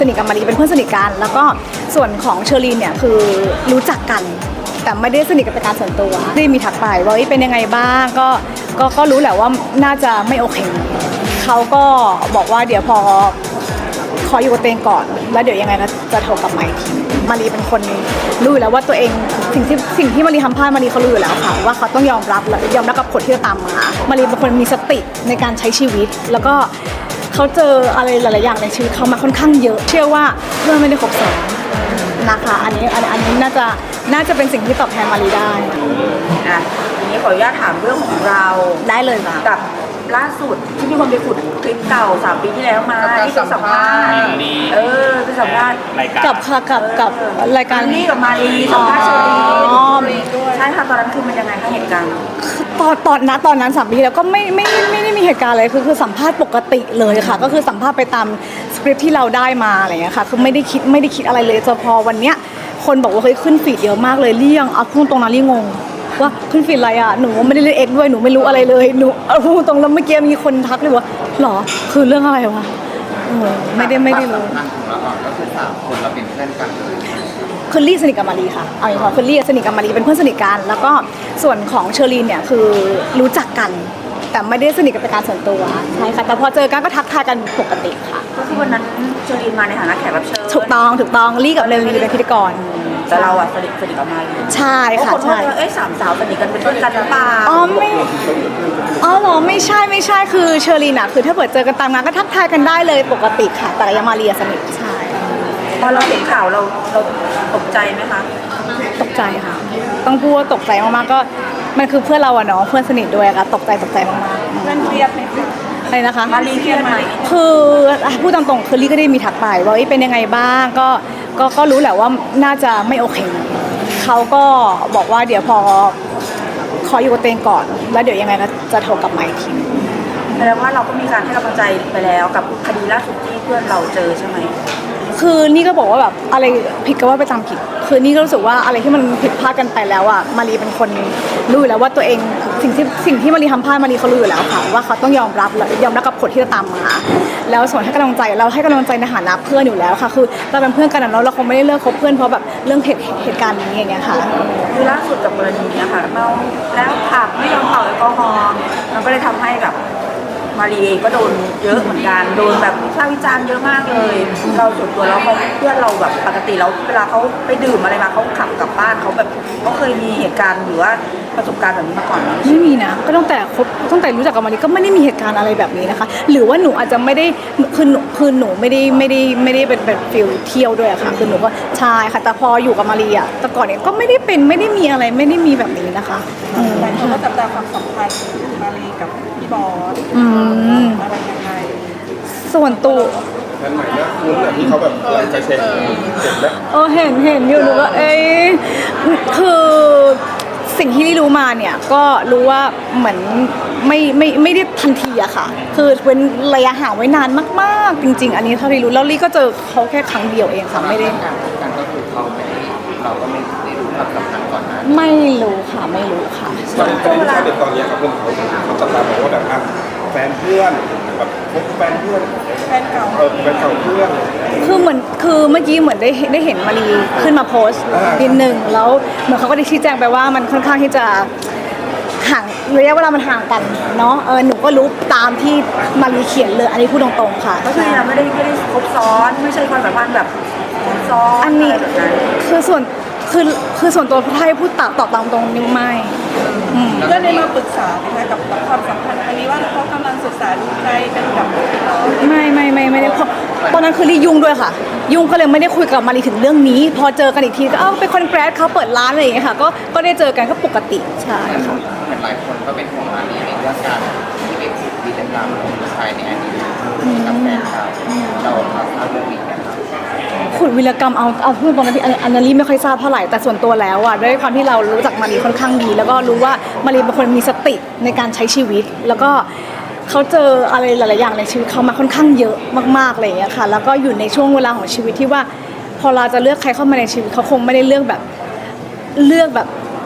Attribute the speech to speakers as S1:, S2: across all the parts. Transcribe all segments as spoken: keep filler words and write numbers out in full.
S1: สนิทกับมารีเป็นเพื่อนสนิทกันแล้วก็ส่วนของเชอรีนเนี่ยคือรู้จักกันแต่ไม่ได้สนิทกันเป็นการส่วนตัวได้มีทักไปว่าเป็นยังไงบ้างก็ก็ก็รู้แหละว่าน่าจะไม่โอเคเขาก็บอกว่าเดี๋ยวพอขออยู่กับตัวเองก่อนแล้วเดี๋ยวยังไงก็จะโทรกลับมาอีกทีมารีเป็นคนรู้อยู่แล้วว่าตัวเองสิ่งที่สิ่งที่มารีทำพลาดมารีเขารู้อยู่แล้วค่ะว่าเขาต้องยอมรับและยอมรับกับผลที่จะตามมามารีเป็นคนมีสติในการใช้ชีวิตแล้วก็เขาเจออะไรหลายๆอย่างในชีวิตเขามาค่อนข้างเยอะเชื่อว่าเพื่อนไม่ได้ครบซ้อนนะคะอันนี้อันนี้น่าจะน่าจะเป็นสิ่งที่ตอบแทนมารีได้
S2: อ่ะทีนี้ขออนุญาตถามเรื่องของเรา
S1: ได้เลยค่ะ
S2: กับล่าสุดที่มีคนไปขุดคลิปเก่าสามปีที่แล้วมาที่เป็นสัมภาษณ์เออเป็นสัมภาษณ์
S1: กับค่ะกับกับรายการ
S2: นี่กับมารีสัมภาษณ์เชอรีใช่ค่ะตอนนั้นคือมันยังไงคะเหตุการณ์
S1: ตอนตอนนะตอนนั้นสามปีแล้วก็ไม่ไม่ไม่ได้มีเหตุการณ์อะไรคือคือสัมภาษณ์ปกติเลยค่ะก็คือสัมภาษณ์ไปตามสคริปต์ที่เราได้มาอะไรอย่างเงี้ยค่ะคือไม่ได้คิดไม่ได้คิดอะไรเลยจนพอวันเนี้ยคนบอกว่าเฮ้ยขึ้นฟีดเยอะมากเลยเลี่ยงเอาพูดตรงนั้นลี่งงว่าขึ้นฟีดอะไรอ่ะหนูไม่ได้เล่นเอ็กด้วยหนูไม่รู้อะไรเลยหนูเอาพูดตรงแล้วเมื่อกี้มีคนทักเลยว่าหรอคือเรื่องอะไรวะไม่ได้ไม่ได้รู้
S3: ก็คือสามคนเราเป็นเพื่อนกันเลย
S1: คือลี่สนิทกับมารีค่ะเอาอย่างนี้คือลี่สนิทกับมารีเป็นเพื่อนสนิทกันแล้วก็ส่วนของเชอรีนเนี่ยคือรู้จักกันแต่ไม่ได้สนิทกันเป็นการส่วนตัวใช่ค่ะแต่พอเจอกันก็ทักทายกันปกติค่ะ
S2: ก็คือวันนั้นเชอรีนมาในฐานะแขกรับเชิญ
S1: ถูกต้องถูกต้องลี่กับเรนลีเป็นพิธีกร
S2: แต่เราอะสนิทสนิทกับมารี
S1: ใช่ค่ะใช่
S2: เอ้ยสามสาวสนิทกันเป็นเพื่อนกันหรือเปล่า
S1: อ๋อไม่อ๋อเหรอไม่ใช่ไม่ใช่คือเชอรีนอะคือถ้าเปิดเจอกันตามงานก็ทักทายกันได้เลยปกติค่ะแต่ยังมารีสนิทใช่
S2: พอเราเห็นข่าวเราเราตกใจไหมคะ
S1: ตกใจค่ะต้องพูดว่าตกใจมากๆก็มันคือเพื่อนเราอะเนาะเพื่อนสนิทด้วยค่ะตกใจตกใจมากๆ
S2: เพื่อนเครียดไหม
S1: อะไรนะคะ
S2: มารีเครียดไหม
S1: คือพูดตามๆคือลี่ก็ได้มีทักไปว่าเป็นยังไงบ้างก็ก็ก็รู้แหละว่าน่าจะไม่โอเคเขาก็บอกว่าเดี๋ยวพอขออยู่กับตัวเองก่อนแล้วเดี๋ยวยังไงก็จะโทรกลับมาอีกที
S2: แสดงว่าเราก็มีการให้กำลังใจไปแล้วกับคดีล่าสุดที่เพื่อนเราเจอใช่ไหม
S1: คือนี่ก็บอกว่าแบบอะไรผิดก็ว่าไปตามผิดคือนี่ก็รู้สึกว่าอะไรที่มันผิดพลาดกันไปแล้วอ่ะมารีเป็นคนรู้อยู่แล้วว่าตัวเองสิ่งที่สิ่งที่มารีทำพลาดมารีเขารู้อยู่แล้วค่ะว่าเขาต้องยอมรับและยอมรับกับผลที่จะตามมาแล้วส่วนให้กำลังใจเราให้กำลังใจในฐานะเพื่อนอยู่แล้วค่ะคือเราเป็นเพื่อนกันแล้วเราคงไม่ได้เลิกคบเพื่อนเพราะแบบเรื่องเหตุเหตุการณ์นี้อย่างเงี้ยค่ะ
S2: คือล่าสุดกับกรณีนี้ค่ะเมาแล้วผับไม่ยอมเป่าแอลกอฮอล์มันก็เลยทำให้แบบมารีเองก็โดนเยอะเหมือนกันโดนแบบวิพากษ์วิจารณ์เยอะมากเลยเราส่วนตัวเราเขาเพื่อนเราแบบปกติเราเวลาเขาไปดื่มอะไรมาเขาขับกลับบ้านเขาแบบเขาเคยมีเหตุการณ์หรือว่าประสบการณ์แบบนี้มาก่อนไหม
S1: ไม่มีนะก็ตั้งแต่คบตั้งแต่รู้จักกับมารีก็ไม่ได้มีเหตุการณ์อะไรแบบนี้นะคะหรือว่าหนูอาจจะไม่ได้คือหนูคือหนูไม่ได้ไม่ได้ไม่ได้เป็นแบบฟิลเที่ยวด้วยอะค่ะคือหนูก็ใช่ค่ะแต่พออยู่กับมารีอะแต่ก่อนเนี่ยก็ไม่ได้เป็นไม่ได้มีอะไรไม่ได้มีแบบนี้นะคะ
S2: แต่เขาก็จับตาความสัมพันธ์มารีกับพี่บอสอะไรยังไง
S1: ส่วนตัว
S3: นั่นหมายว่าคุณแบบที่เขาแบบอะไรใจเช็คเห็นไหม
S1: เออเห็นเห็นอยู่หนูก็เอ้ยคือสิ่งที่ลี่รู้มาเนี่ยก็รู้ว่าเหมือนไม่ไม่ไม่ได้ทันทีอะค่ะคือเป็นระยะห่างไว้นานมากๆจริงๆอันนี้เท่าที่รู้แล้วลี่ก็เจอเขาแค่ครั้งเดียวเองค่ะไม่ได้
S3: การก็คือเขาไม่ได้เราก็ไม่ได้รู้ความสัมพันธ์ก่อนนะ
S1: ไม่รู้ค่ะไม่รู้ค่ะ
S3: ตอนนี้เด็กตอนนี้ครับเพื่อนเขาเขาจับตามองว่าแบบแฟนเพื่อนแบบแฟนเพื่อน
S2: แฟนเก่า
S3: เออแฟนเก่าเพื่อน
S1: คือเหมือนคือเมื่อกี้เหมือนได้ได้เห็นมารีขึ้นมาโพสต์นิดนึงแล้วเหมือนเขาก็ได้ชี้แจงไปว่ามันค่อนข้างที่จะห่างระยะเวลามันห่างกันเนาะเออหนูก็รู้ตามที่มารีเขียนเลยอันนี้พูดตรงๆค่ะ
S2: ก็คือเราไม่ได้ไม่ได้ครบซ้อนไม่ใช่ความสัมพันธ์แบบครบซ้อน
S1: อันนี้คือส่วนคือคือส่วนตัวถ้าให้พูดตอบตอบตามตรงนี่ไม่
S2: เพื่อนได้มาปรึกษาไหมคะกับความสัมพันธ์อันนี้ว่าเขากำลังศึกษาดูใจกันกับเรา
S1: ไม่ไม่ไม่ไม่ได้เพราะตอนนั้นคือรียุ่งด้วยค่ะยุ่งก็เลยไม่ได้คุยกับมารีถึงเรื่องนี้พอเจอกันอีกทีก็เอ้าเป็นคนแกรดเขาเปิดร้านอะไรอย่างเงี้ยค่ะก็ก็ได้เจอกันก็ปกติใช่ค่ะ
S3: หลายคนก็เป็นห่วงมารีในเรื่องการที่เป็นกิจกรรมของผู้ชายในอดีตกับแฟนเขาเราทราบเรื่องนี้กัน
S1: ขุดวีรกรรมเอาเอาพูดตรงนั้นที่อันนั้นลี่ไม่ค่อยทราบเท่าไหร่แต่ส่วนตัวแล้วอ่ะด้วยความที่เรารู้จักมารีค่อนข้างดีแล้วก็รู้ว่ามารีเป็นคนมีสติในการใช้ชีวิตแล้วก็เขาเจออะไรหลายๆอย่างในชีวิตเขามาค่อนข้างเยอะมากๆอะไรอย่างเงี้ยค่ะแล้วก็อยู่ในช่วงเวลาของชีวิตที่ว่าพอเราจะเลือกใครเข้ามาในชีวิตเขาคงไม่ได้เลือกแบบเลือกแบบ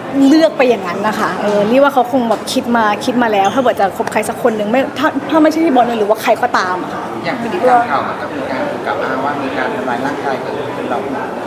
S1: เลือกไปอย่างนั้นนะคะเออนี่ว่าเขาคงแบบคิดมาคิดมาแล้ว ถ้าเกิดจะคบใครสักคนหนึ่งไม่ถ้าถ้าไม่ใช่พี่บอลหรือว่าใครก็ตามอะค่ะ
S3: อย่างพฤติกรรมเก่ามันก็มีการถูกกล่าวอ้างว่ามีการทำร้ายร่างกายเกิดขึ้นเรา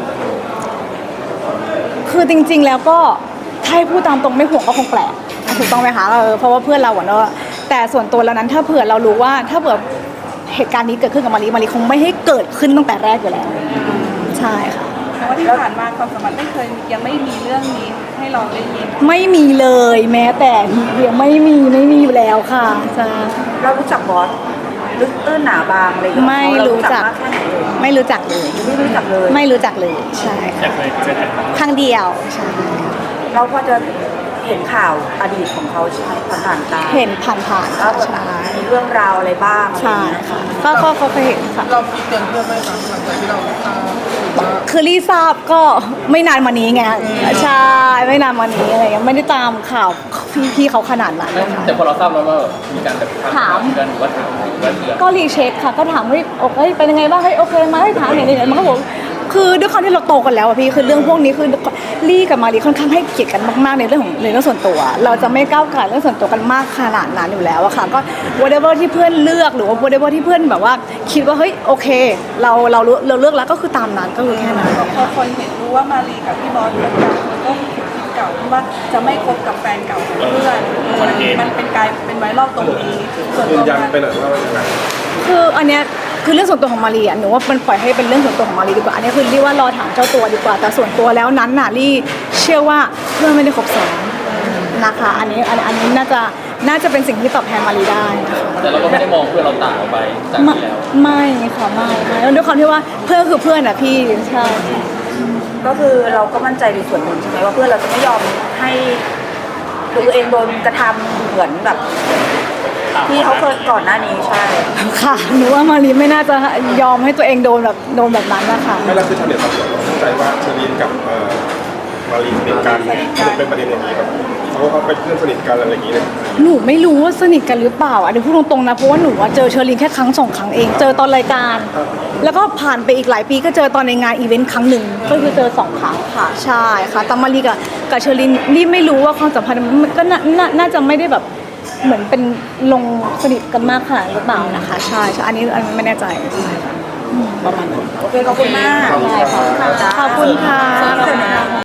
S1: คือจริงๆแล้วก็ถ้าให้พูดตามตรงไม่ห่วงก็คงแปลกถูกต้องไหมคะเออเพราะว่าเพื่อนเราอะเนาะแต่ส่วนตัวแล้วนั้นถ้าเผื่อเรารู้ว่าถ้าเผื่อเหตุการณ์นี้เกิดขึ้นกับมารีมารีคงไม่ให้เกิดขึ้นตั้งแต่แรกอยู่แล้วใช่ค่ะ
S4: เพราะว่าที่ผ่านมาความสัมพันธ์ไม่เคยยังไม่มีเรื่องนี้ให้เราได้ยิน
S1: ไม่มีเลยแม้แต่นิดเดียวไม่มีไม่มีอยู่แล้วค่ะใช่
S2: เรารู้จักบอสลึกตื้นหนาบางอะไรอย่างเงี้ย
S1: ไม่รู้จัก
S2: เรามากแค่ไหนเลย
S1: ไม่รู้จักเลย
S2: ไม่รู้จักเลย
S1: ไม่รู้จักเลยใช่ค่ะครั้งเดียวใช่
S2: เราพอจะเห็นข่าวอดีตของเขาใช่ไหมผ่านๆตา
S1: เห็นผ่านๆ
S2: แล้วแบบ
S1: ใช่
S2: มีเรื่องราวอะไรบ้างอะไรอ
S1: ใช่
S2: ย่างเงี้ย
S1: ค่ะก็ก็ก็เคยเห็นค่ะ
S3: เราคิดเตือนเพื่อนไหมครับหลังจากที่เราทราบว่า
S1: คือรีทราบก็ไม่นานมานี้ไงใช่ไม่นานมานี้อะไรเงี้ยไม่ได้ตามข่าวพี่พี่เขาขนาดนั้นนะคะ
S5: แต่พอเราทราบแล้วว่ามีการแบบ
S1: ถาม
S5: กันหรือว่าถามหรือว่าเตือน
S1: ก็รีเช็คค่ะก็ถามเฮ้ยโอเคเป็นยังไงบ้างเฮ้ยโอเคไหมถามอย่างนี้มันก็บอกคือด้วยความที่เราโตกันแล้วอะพี่คือเรื่องพวกนี้คือลี่กับมารีค่อนข้างให้เกียรติกันมากๆในเรื่องของในเรื่องส่วนตัว เราจะไม่ก้าวไก่เรื่องส่วนตัวกันมากขนาดนั้นอยู่แล้วอะค่ะก็ whatever ที่เพื่อนเลือกหรือว่า whatever ที่เพื่อนแบบว่าคิดว่าเฮ้ยโอเค เราเรารู้เราเลือกแล้วก็คือตามนั้นก็คือแค่นั้น
S4: พอคนเห็นรู้ว่ามารีกับพี่บอสเป็นกันมันก็คิดเก่าที่ว่าจะไม่คบกับแฟนเก่าของเพื่อนมันเป็นกลายเป็นไวรัลตรงนี้ส่วน
S6: ยื
S4: ตั
S6: น
S4: ว
S6: ยัน
S4: มัน
S6: ไปหน่อยว่ายังไง
S1: คืออันเนี้ยคือเรื่องส่วนตัวของมารีอ่ะหนูว่ามันปล่อยให้เป็นเรื่องส่วนตัวของมารีดีกว่าอันนี้คือรี่ว่ารอถามเจ้าตัวดีกว่าแต่ส่วนตัวแล้วนั้นน่ะรี่เชื่อว่าเพื่อนไม่ได้ครบซ้อนนะคะอันนี้อันอันนี้น่าจะน่าจะเป็นสิ่งที่ตอบแทนมารีได้นะคะ
S5: แต่เราก็ไม่ได้มองเพื่อนเราต่างออกไปจาก
S1: ไม่
S5: ที่แล้ว
S1: ไม่ค่ะไม่ไม่แล้วด้วยความที่ว่าเพื่อนคือเพื่อนอ่ะพี่ใช่
S2: ก็คือเราก็มั่นใจในส่วนหนึ่งใช่ไหมว่าเพื่อนเราจะไม่ยอมให้ตัวเองโดนกระทำเหมือนแบบ ที่เขาเคยก่อนหน้านี้ใช่
S1: ค่ะหนูว่ามารีไม่น่าจะยอมให้ตัวเองโดนแบบโดนแบบนั้นนะคะ
S6: ไม่แล้วคือชาวเน็ตบางส่วนเข้าใจว่าเชอรีนกับเอ่อมารีสนิทกันมันเป็นประเด็นอย่างนี้แบบเขาเขาเป็นเพื่อนสนิทกันอะไรอย่างนี้เลย
S1: หนูไม่รู้ว่าสนิทกันหรือเปล่าอันนี้พูดตรงๆนะเพราะว่าหนูอะเจอเชอรีนแค่ครั้งสองครั้งเองเจอตอนรายการ แล้วก็ผ่านไปอีกหลายปีก็เจอตอนในงานอีเวนต์ครั้งหนึ่งก็คือเจอสองครั้งค่ะใช่ค่ะแต่มารีกับกับเชอรีนนี่ไม่รู้ว่าความสัมพันธ์มันก็น่าน่าน่าจะไม่ได้แบบเหมือนเป็นลงสนิทกันมากค่ะหรือเปล่านะคะใช่ใช่อันนี้อันนี้ไม่แน่ใจใช่ค่ะอืมประมาณนั้น
S2: โอเคขอบคุณมาก
S1: ขอบคุณค่ะ